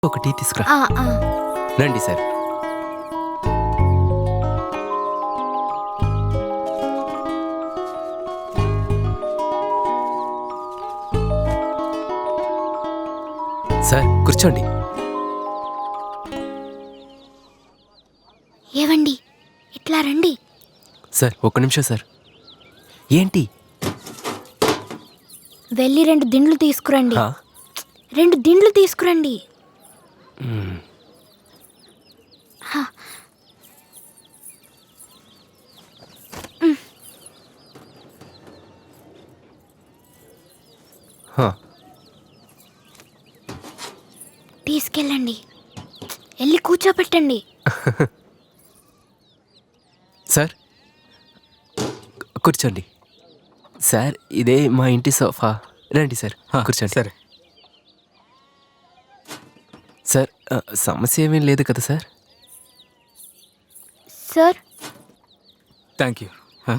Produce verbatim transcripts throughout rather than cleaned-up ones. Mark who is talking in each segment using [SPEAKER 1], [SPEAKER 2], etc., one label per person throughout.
[SPEAKER 1] ఒక టీ తీసుకురా.
[SPEAKER 2] ఆ, ఆ.
[SPEAKER 1] రండి సార్. సార్ కూర్చోండి.
[SPEAKER 2] ఏవండి ఇట్లా రండి.
[SPEAKER 1] సార్ ఒక్క నిమిషం సార్. ఏంటి?
[SPEAKER 2] వెళ్ళి రెండు దిండ్లు తీసుకురండి.
[SPEAKER 1] హా?
[SPEAKER 2] రెండు దిండ్లు తీసుకురండి.
[SPEAKER 1] మ్మ్.
[SPEAKER 2] హా.
[SPEAKER 1] హా.
[SPEAKER 2] తీసుకెళ్ళండి. వెళ్ళి కూర్చోపెట్టండి.
[SPEAKER 1] సార్ కూర్చోండి. సార్ ఇదే మా ఇంటి సోఫా. రండి సార్ కూర్చోండి.
[SPEAKER 3] సరే
[SPEAKER 1] సార్ ఆ, సమస్య ఏమీ లేదు కదా sir?
[SPEAKER 2] Sir
[SPEAKER 3] thank you.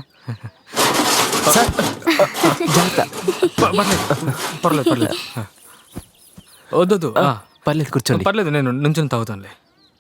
[SPEAKER 1] Sir జాగ్రత్త.
[SPEAKER 3] పర్లేదు పర్లేదు ఆ. వద్దొద్దు
[SPEAKER 1] ఆ,
[SPEAKER 3] ఆ.
[SPEAKER 1] పర్లేదు కూర్చోండి.
[SPEAKER 3] పర్లేదు నేను నుంచుని తాగుతానులే.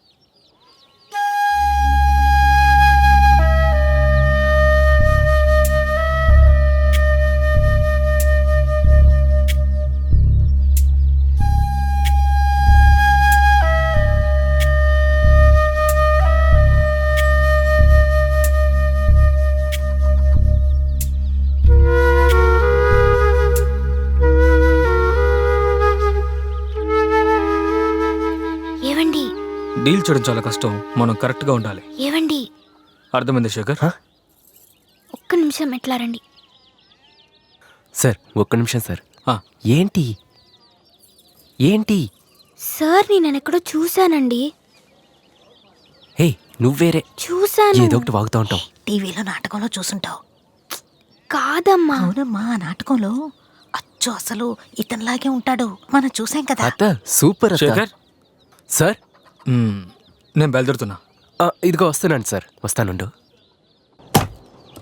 [SPEAKER 2] ఏవండి
[SPEAKER 3] డీల్ చేయడం చాలా కష్టం, మనం కరెక్ట్గా ఉండాలి.
[SPEAKER 2] ఏవండి
[SPEAKER 3] అర్థమైంది శేఖర్?
[SPEAKER 1] హా?
[SPEAKER 2] ఒక్క నిమిషం ఎట్లా రండి.
[SPEAKER 1] సార్ ఒక్క నిమిషం సార్.
[SPEAKER 3] ఆ,
[SPEAKER 1] ఏంటి ఏంటి?
[SPEAKER 2] సార్ నేను ఎక్కడో చూశానండి.
[SPEAKER 1] హే నువ్వేరే
[SPEAKER 2] చూశాను.
[SPEAKER 1] ఏదో ఒకటి వాగుతూ ఉంటావు.
[SPEAKER 4] టీవీలో నాటకంలో చూసుంటావు.
[SPEAKER 2] కాదమ్మా.
[SPEAKER 4] అవునమ్మా, ఆ నాటకంలో అచ్చు అసలు ఇతనిలాగే ఉంటాడు, మనం చూసాం కదా.
[SPEAKER 1] అత్త సూపర్ అత్త.
[SPEAKER 3] శేఖర్
[SPEAKER 1] సార్
[SPEAKER 3] మ్మ్, నేను బయలుదేరుతున్నా.
[SPEAKER 1] ఆ, ఇదిగో వస్తున్నాను సార్. వస్తానుండు.